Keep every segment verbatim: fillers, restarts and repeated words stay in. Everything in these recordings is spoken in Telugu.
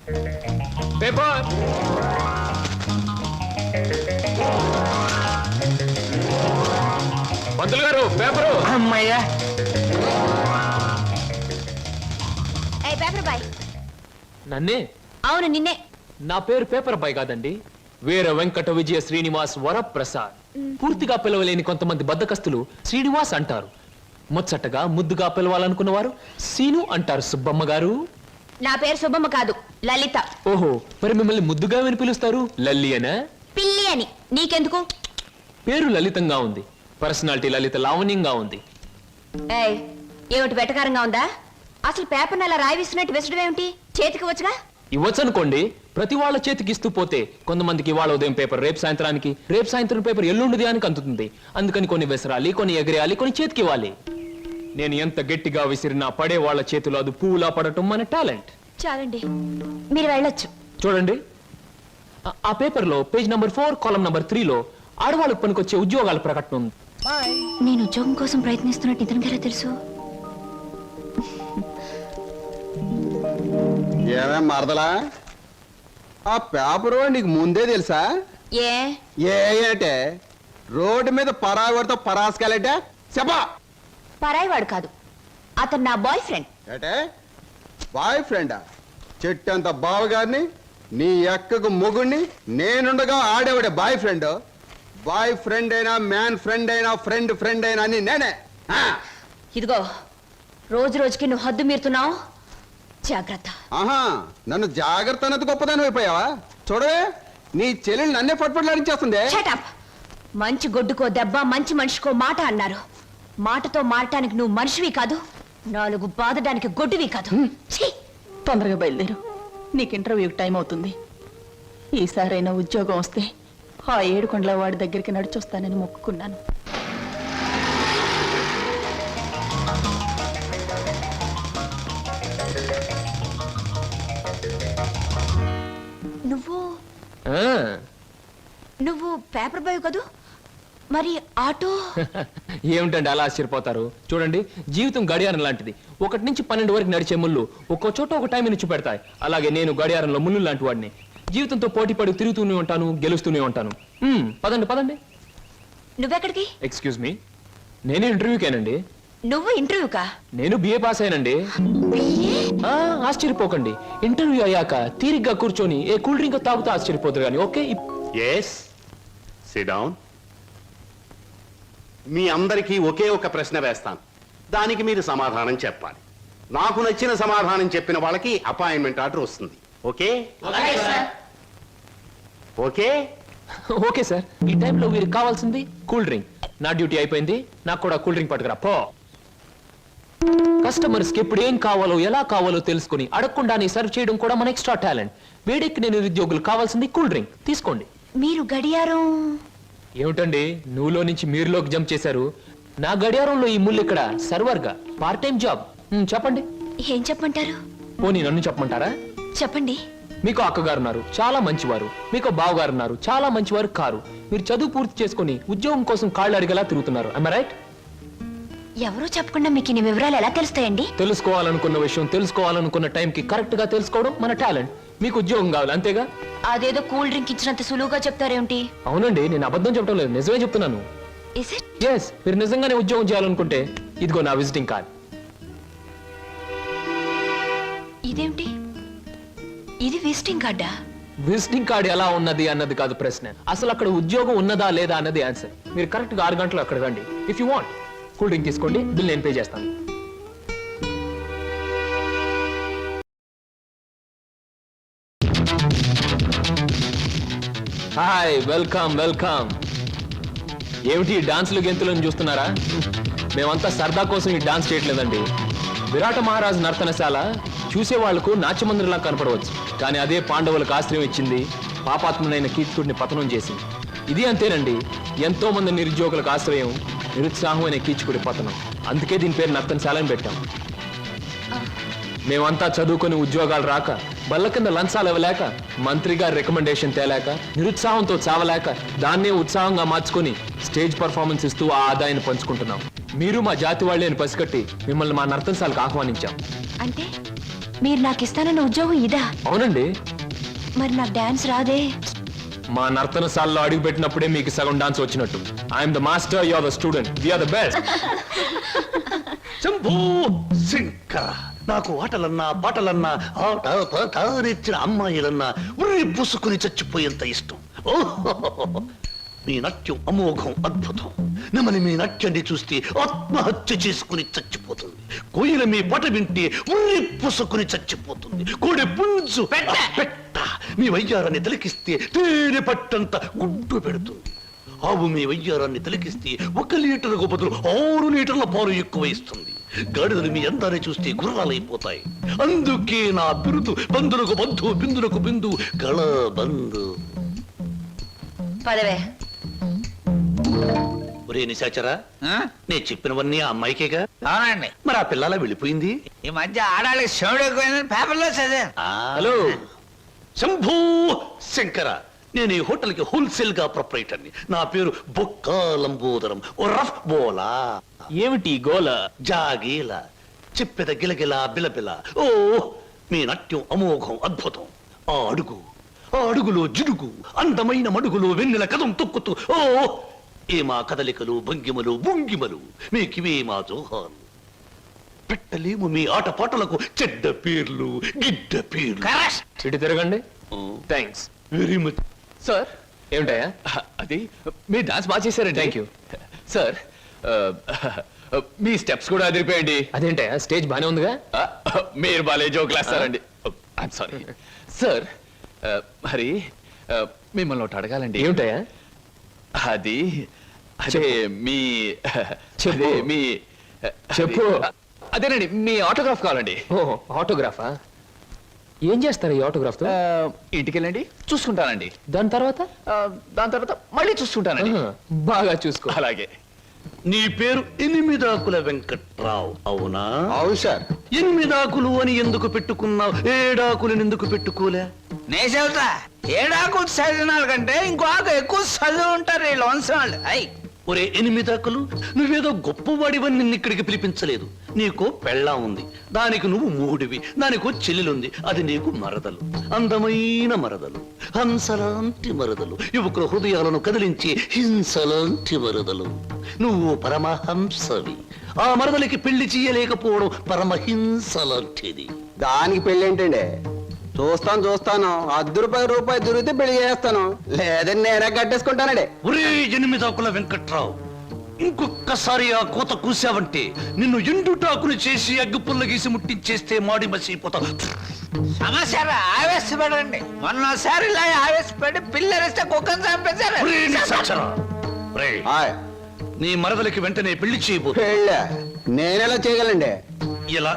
పేపర్ పంతులు గారు పేపరు. అమ్మయ్యా. Paper boy. నన్నే? అవును నిన్నే. నా పేరు పేపర్ బాయ్ కాదండి, వీర వెంకట విజయ శ్రీనివాస్ వరప్రసాద్. పూర్తిగా పిలవలేని కొంతమంది బద్దకస్తులు శ్రీనివాస్ అంటారు. ముచ్చటగా ముద్దుగా పిలవాలనుకున్న వారు సీను అంటారు. సుబ్బమ్మ గారు. నా పేరు సుబ్బమ్మ కాదు, లలిత. ఓహో, మరి మిమ్మల్ని ముద్దుగా విని పిలుస్తారు లల్లి అనా? పిల్లి అని. నీకెందుకు? పేరు లలితంగా ఉంది, పర్సనాలిటీ లలిత లావణ్యంగా ఉంది. ఏయ్, ఏమిటి వెటకారంగా ఉందా? అసలు పేపర్ అలా రాయి విసినట్టు విసడం ఏమిటి? చేతికి వచ్చుగా. ఇవ్వచ్చు అనుకోండి, ప్రతి వాళ్ళ చేతికి ఇస్తూ పోతే కొంతమందికి వాళ్ళ ఉదయం పేపర్ రేపు సాయంత్రానికి, రేపు సాయంత్రం పేపర్ ఎల్లుండి దానికి అందుతుంది. అందుకని కొన్ని విసరాలి, కొన్ని ఎగరేయాలి, కొన్ని చేతికి ఇవ్వాలి. నేను ఎంత గట్టిగా విసిరినా పడే వాళ్ళ చేతిలో అది పువ్వులా పడటం మన టాలెంట్. చాలండి, మీరు వెళ్ళొచ్చు. చూడండి, ఆ పేపర్ లో పేజ్ నంబర్ ఫోర్ కాలం నంబర్ త్రీలో ఆడవాళ్ళకు పనికొచ్చే ఉద్యోగాల ప్రకటన ఉంది. నేను ఉద్యోగం కోసం ప్రయత్నిస్తున్నట్టు ఇతనికి ఎలా తెలుసు? ఏమేం మరదలా, ఆ పేపరు నీకు ముందే తెలుసా? ఏ ఏ అంటే రోడ్డు మీద పరాగడితో పరాసుకెళ్ళటే చెప్పా. పరాయివాడు కాదు, అతను నా బాయ్ ఫ్రెండ్. ఏటే బాయ్ ఫ్రెండా? చెట్టంత బావగారిని, నీ ఎక్కకు మొగుణ్ణి, నేనుండగా ఆడేవాడే బాయ్ ఫ్రెండ్. బాయ్ ఫ్రెండ్ అయినా, మ్యాన్ ఫ్రెండ్ అయినా, ఫ్రెండ్ ఫ్రెండ్ అయినా అని నేనే. ఇదిగో, రోజు రోజుకి నువ్వు హద్దు మీరుతున్నావు, జాగ్రత్త. ఆహా, నన్ను జాగ్రత్త అన్నది గొప్పదాని అయిపోయావా? చూడవే, నీ చెల్లెలు నన్నే పట్టుపట్లాడించేస్తుంది. Shut up. మంచి గొడ్డుకో దెబ్బ, మంచి మనిషికో మాట అన్నారు. మాటతో మారటానికి నువ్వు మనిషివి కాదు, నాలుగు బాదడానికి గొడ్డువి కాదు. తొందరగా బయలుదేరు, నీకు ఇంటర్వ్యూకి టైం అవుతుంది. ఈసారైనా ఉద్యోగం వస్తే ఆ ఏడుకొండల వాడి దగ్గరికి నడిచొస్తానని మొక్కుకున్నాను. నువ్వు నువ్వు పేపర్ బాయ్ కదూ, మరి ఆటో? ఏమిటండి అలా ఆశ్చర్యపోతారు? చూడండి, జీవితం గడియారం లాంటిది. ఒకటి నుంచి పన్నెండు వరకు నడిచే ముళ్ళు ఒక్కో చోట ఒక టైం నుంచి పెడతాయి. అలాగే నేను గడియారంలో ముళ్ళు లాంటి వాడిని. జీవితంతో పోటీ పడి తిరుగుతూనే ఉంటాను, గెలుస్తూనే ఉంటాను. పదండి పదండి. నువ్వెక్కడికి? ఎక్స్క్యూజ్ మీ, నేను ఇంటర్వ్యూకేనండి. నువ్వు ఇంటర్వ్యూకా? నేను బిఏ పాస్ అయినండి. ఆశ్చర్యపోకండి, ఇంటర్వ్యూ అయ్యాక తీరిగ్గా కూర్చొని ఏ కూల్ డ్రింక్ తాగుతూ ఆశ్చర్యపోతారు కానీ. Okay, yes, sit down. మీ అందరికీ ఒకే ఒక ప్రశ్న వేస్తాను, దానికి మీరు సమాధానం చెప్పాలి. నాకు నచ్చిన సమాధానం చెప్పిన వాళ్ళకి అపాయింట్మెంట్ ఆర్డర్ వస్తుంది. Okay okay okay sir. ఈ టైంలో వీరికి కావాల్సింది కూల్ డ్రింక్. నా డ్యూటీ అయిపోయింది, నాకు కూడా కూల్ డ్రింక్ పట్టుకురా పో. కస్టమర్స్ కి ఎప్పుడు ఏం కావాలో ఎలా కావాలో తెలుసుకుని అడగకుండానే సర్వ్ చేయడం కూడా మన ఎక్స్ట్రా టాలెంట్. వేడెక్కి నేను నిరుద్యోగులు కావాల్సింది కూల్ డ్రింక్. తీసుకోండి. మీరు గడియారం? ఏమిటండి నువ్వులో నుంచి మీరులోకి జంప్ చేశారు? నా గడియారంలో ఈ ముళ్ళు ఇక్కడ సర్వర్ గా పార్ట్ టైం జాబ్. చెప్పండి. ఏం చెప్పమంటారు? పోనీ నన్ను చెప్పమంటారా? చెప్పండి. మీకు అక్కగారు ఉన్నారు, చాలా మంచివారు. మీకు బావగారు ఉన్నారు, చాలా మంచివారు కారు. మీరు చదువు పూర్తి చేసుకుని ఉద్యోగం కోసం కాళ్ళు అడిగేలా తిరుగుతున్నారు. am I right? ఎవరో చెప్పకుండా మీకు ఇన్ని వివరాలు ఎలా తెలుస్తాయండి? తెలుసుకోవాలనుకున్న విషయం తెలుసుకోవాలనుకున్న టైంకి కరెక్ట్ గా తెలుసుకోవడం మన టాలెంట్. మీకు ఉద్యోగం కావాలి అంతేగా? అదేదో కూల్ డ్రింక్ ఇచ్చినంత సులువుగా చెప్తారేమిటి? అవునండి, నేను అబద్ధం చెప్పడం లేదు, నిజమే చెప్తున్నాను. Is it? ఎస్, మీరు నిజంగానే ఉద్యోగం చేయాలనుకుంటే ఇదిగో నా విజిటింగ్ కార్డ్. ఇదేమిటి? ఇది విజిటింగ్ కార్డా? విజిటింగ్ కార్డ్ ఎలా ఉన్నది అన్నది కాదు ప్రశ్న, అసలు అక్కడ ఉద్యోగం ఉన్నదా లేదా అన్నది ఆన్సర్. మీరు కరెక్ట్ గా ఆరు గంటలు అక్కడ రండి. If you want cool drink తీసుకోండి, బిల్ నేను పే చేస్తాను. Hi, welcome welcome. ఏమిటి డాన్సులు గెంతులను చూస్తున్నారా? మేమంతా సరదా కోసం ఈ డాన్స్ చేయట్లేదండి. విరాట మహారాజు నర్తనశాల చూసే వాళ్లకు నాట్యమందిరంలా కనపడవచ్చు, కానీ అదే పాండవులకు ఆశ్రయం ఇచ్చింది, పాపాత్మునైన కీచకుడిని పతనం చేసింది. ఇది అంతేనండి, ఎంతో మంది నిరుద్యోగులకు ఆశ్రయం, నిరుత్సాహమైన కీచకుడి పతనం. అందుకే దీని పేరు నర్తనశాలని పెట్టాం. మేమంతా చదువుకొని ఉద్యోగాలు రాక, బల్ల కింద లంచాలు ఇవ్వలేక, మంత్రి గారి రికమెండేషన్ తేలేక, నిరుత్సాహంతో చావలేక, దాన్నే ఉత్సాహంగా మార్చుకొని స్టేజ్ పర్ఫార్మెన్స్ ఇస్తూ ఆ ఆదాయాన్ని పంచుకుంటున్నాం. మీరు మా జాతి వాళ్ళే అని పసిగట్టి మిమ్మల్ని మా నర్తనశాలకు ఆహ్వానించాం. అంటే మీరు నాకు ఇస్తానన్న ఉద్యోగం ఇదా? అవునండి. మరి నాకు డాన్స్ రాదే. మా నర్తనశాలలో అడుగు పెట్టినప్పుడే మీకు సగం డాన్స్ వచ్చినట్టు. I'm the master, you are the student, we are the best. Shambhu Shankara, నాకు ఆటలన్నా పాటలన్నా ఆట పాట నేర్చిన అమ్మాయిలన్నా ఉర్రి పూసుకుని చచ్చిపోయేంత ఇష్టం. ఓహో, మీ నాట్యం అమోఘం, అద్భుతం. నమని మీ నాట్యాన్ని చూస్తే ఆత్మహత్య చేసుకుని చచ్చిపోతుంది. కోయిల మీ పాట వింటే ఉర్రి పూసుకుని చచ్చిపోతుంది. కోడి పుంజు పెట్ట మీ వయ్యారాన్ని తిలకిస్తే తేనె పట్టంత గుడ్డు పెడుతుంది. ఆవు మీ వయ్యారాన్ని తిలకిస్తే ఒక లీటర్కు బదులు ఆరు లీటర్ల పాలు ఎక్కువ ఇస్తుంది. గాడిదలు మీ అందాన్ని చూస్తే గుర్రాలైపోతాయి. అందుకే నా బిరుదు బంధులకు బంధు, బిందులకు బిందు, గళ బంధు. పదవే. ఒరే నిశాచరా, నేను చెప్పినవన్నీ ఆ అమ్మాయికేగా? అవునండి. మరి ఆ పిల్లలా వెళ్ళిపోయింది. ఈ మధ్య ఆడాళ్ళకి శివుడు ఎక్కువైందని పేపర్లో చదివాను. ఆ, హలో శంభూ శంకర, నేను ఈ హోటల్ కి హోల్సేల్ గా ప్రొపరేటర్ని. నా పేరు బొక్కా లంబోదరం, ఓ రఫ్ బోలా. ఏమిటి గోల? జాగీల చెప్పెద గిలగిల బిలబిల. ఓ, మీ నాట్యం అమోఘం, అద్భుతం. ఆ అడుగు, ఆ అడుగులో జిడుగు, అందమైన మడుగులో వెన్నెల కథం తొక్కుతూ. ఓ, ఏ మా కదలికలు, భంగిమలు, భుంగిమలు, మీకివే మా జోహాలు. పెట్టలేము మీ ఆటపాటలకు చెడ్డ పేర్లు, గిడ్డ పేర్లు. ఇటు తిరగండి. థ్యాంక్స్. Very much. సార్, ఏమిటయా? అది మీరు డాన్స్ బాగా చేశారండి. Thank you. సార్, ఆ, మీ స్టెప్స్ కూడా అదిరిపోయండి. అదేంటయా, స్టేజ్ బానే ఉందిగా? ఆ, మీరు బాలే జోకులు వేస్తారండి. I'm sorry sir. ఆ, మరి ఆ, మిమ్మల్ని ఒకటి అడగాలండి. ఏమిటయా? అది అదే మీ చెప్పు. అదే మీ చెప్పు. అది- అదేనండి, మీ ఆటోగ్రాఫ్ కావాలండి. ఓ, ఆటోగ్రాఫా? ఏం చేస్తారు ఈ ఆటోగ్రాఫ్ తో? ఆ, ఇంటికి వెళ్ళండి, చూసుకుంటానండి. దాని తర్వాత? ఆ, దాని తర్వాత మళ్ళీ చూసుకుంటానండి. ఆహా, బాగా చూసుకో. అలాగే. నీ పేరు ఎనిమిదాకుల వెంకట్రావు, అవునా? అవును సార్. ఎనిమిదాకులు అని ఎందుకు పెట్టుకున్నావు? ఏడాకులను ఎందుకు పెట్టుకోలే? నే చెబుతా, ఏడాకు చదివిన కంటే ఇంకో ఆకు ఎక్కువ చదువు ఉంటారు వీళ్ళు వంశం వాళ్ళు. అయ్ ఒరే ఎనిమిదాకులు, నువ్వేదో గొప్పవాడివని నిన్ను ఇక్కడికి పిలిపించలేదు. నీకు పెళ్ళాం ఉంది, దానికి నువ్వు మూడివి, దానికో చెల్లెలుంది, అది నీకు మరదలు. అందమైన మరదలు, హంసలాంటి మరదలు, యువకుల హృదయాలను కదిలించి హింసలాంటి మరదలు. నువ్వు పరమహంసవి. ఆ మరదలికి పెళ్లి చేయలేకపోవడం పరమహింస లాంటిది. దానికి పెళ్ళి ఏంటండి? చూస్తాను చూస్తాను, అర్ధ రూపాయి రూపాయి దొరికితే పెళ్లి చేస్తాను, లేదని నేనే కట్టేసుకుంటానండి. ఒరే ఎనిమిదాకుల వెంకట్రావు, ఇంకొక్కసారి ఆ కోత కూసావంటే నిన్ను ఎండుటాకులు చేసి అగ్గు పుల్ల గీసి ముట్టించేస్తే మాడి మసిపోతావు. సమస్య ఆవేశపడండి. మొన్నసారి ఇలా ఆవేశపడి పిల్లరిస్తే కుక్కను చంపేశారు. ఒరే నిశాచరా, ఒరే, ఆయ్, నీ మరదలికి వెంటనే పెళ్లి చేయబోతు. పెళ్ళా? నేనెలా చేయగలండి? ఇలా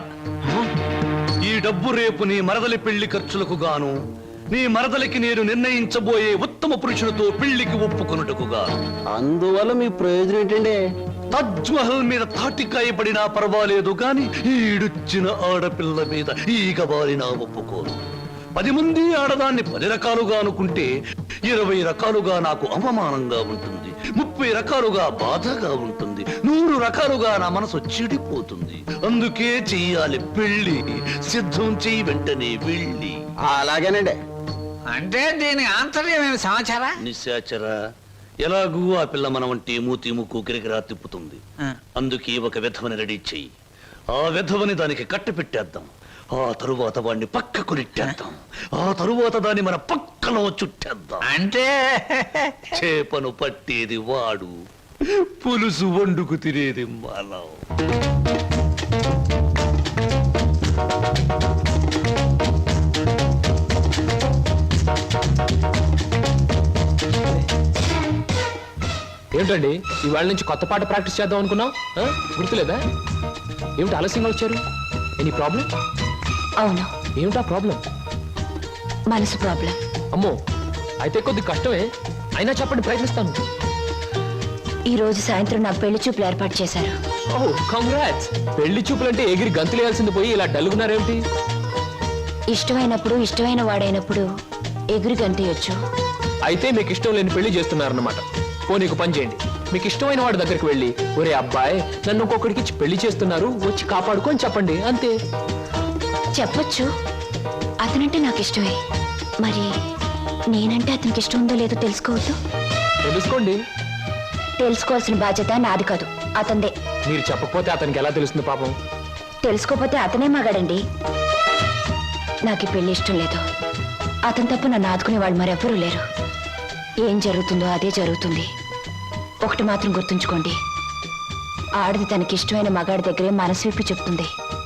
ఈ డబ్బు రేపు నీ మరదలి పెళ్లి ఖర్చులకు గాను, నీ మరదలికి నేను నిర్ణయించబోయే ఉత్తమ పురుషులతో పెళ్లికి ఒప్పుకొనుటకు గాను. అందువల్ల మీ ప్రయోజనం ఏంటండి? తాజ్ మహల్ మీద తాటికాయ పడినా పర్వాలేదు గాని ఈడుచ్చిన ఆడపిల్ల మీద ఈగ బారినా ఒప్పుకోను. పది మంది ఆడదాన్ని పది రకాలుగా అనుకుంటే ఇరవై రకాలుగా నాకు అవమానంగా ఉంటుంది, ముప్పై రకాలుగా బాధగా ఉంటుంది, నూరు రకాలుగా నా మనసు చెడిపోతుంది. అందుకే చెయ్యాలి పెళ్లి. సిద్ధం చెయ్యి వెంటనే వెళ్ళి. అలాగేనండి. అంటే దీని ఆంతర్యం ఏమి సమాచారా? నిశాచరా, ఎలాగూ ఆ పిల్ల మన వంటి మూతి ముక్కు కిరికిరా తిప్పుతుంది. అందుకే ఒక విధవని రెడీ చెయ్యి. ఆ విధవని దానికి కట్టి పెట్టేద్దాం. ఆ తరువాత వాడిని పక్కకు నెట్టేద్దాం. ఆ తరువాత దాన్ని మన పక్కలో చుట్టేద్దాం. అంటే చేపను పట్టేది వాడు, పులుసు వండుకు తినేది మనం. ఏమిటండి, ఇవాళ నుంచి కొత్త పాట ప్రాక్టీస్ చేద్దాం అనుకున్నాం, ఆ? గుర్తులేదా? ఏమిటి ఆలస్యంగా వచ్చారు? Any problem? అవును, ఏమిటా ప్రాబ్లం? మనసు ప్రాబ్లం. అమ్మో, అయితే కొద్ది కష్టమే, అయినా చెప్పండి, ప్రయత్నిస్తాను. ఈ రోజు సాయంత్రం నా పెళ్లి చూపులు ఏర్పాటు చేశారు. ఓ, కంగ్రాట్స్. పెళ్లి చూపులంటే ఎగిరి గంతులేయాల్సింది పోయి ఇలా డల్గున్నారేమిటి? ఇష్టమైనప్పుడు ఇష్టమైన వాడైనప్పుడు ఎగురు గంతయొచ్చు. అయితే మీకు ఇష్టం లేని పెళ్లి చేస్తున్నారన్నమాట. ఓ, నీకు పని చేయండి, మీకు ఇష్టమైన వాడి దగ్గరికి వెళ్ళి, ఒరే అబ్బాయి, నన్ను ఇంకొకడికి ఇచ్చి పెళ్లి చేస్తున్నారు, వచ్చి కాపాడుకొని చెప్పండి, అంతే. చెప్పొచ్చు. అతనంటే నాకు ఇష్టమే. మరి నేనంటే అతనికి ఇష్టం ఉందో లేదో తెలుసుకోవద్దు. తెలుసుకోండి. తెలుసుకోవాల్సిన బాధ్యత నాది కాదు, అతందే. మీరు చెప్పకపోతే అతనికి ఎలా తెలుస్తుంది పాపం? తెలుసుకోపోతే అతనే మగాడండి. నాకు ఈ పెళ్లి ఇష్టం లేదు. అతని తప్ప నన్ను ఆదుకునే వాళ్ళు మరెవ్వరూ లేరు. ఏం జరుగుతుందో అదే జరుగుతుంది. ఒకటి మాత్రం గుర్తుంచుకోండి, ఆడది తనకి ఇష్టమైన మగాడి దగ్గరే మనసు విప్పి చెప్తుంది.